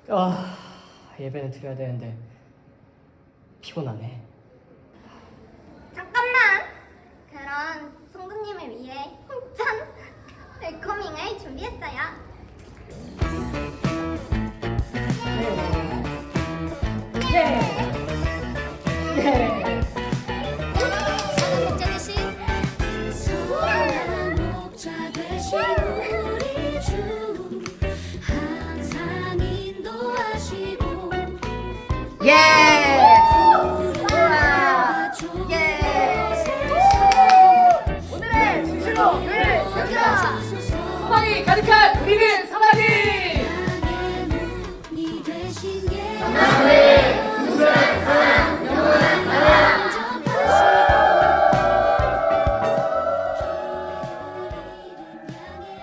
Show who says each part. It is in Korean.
Speaker 1: 예배는 드려야 되는데 피곤하네.
Speaker 2: 잠깐만! 그럼 성도님을 위해 홍천 웰커밍을 준비했어요.
Speaker 3: 선한 목자 되신 우리 주 항상 인도하시고
Speaker 1: 예!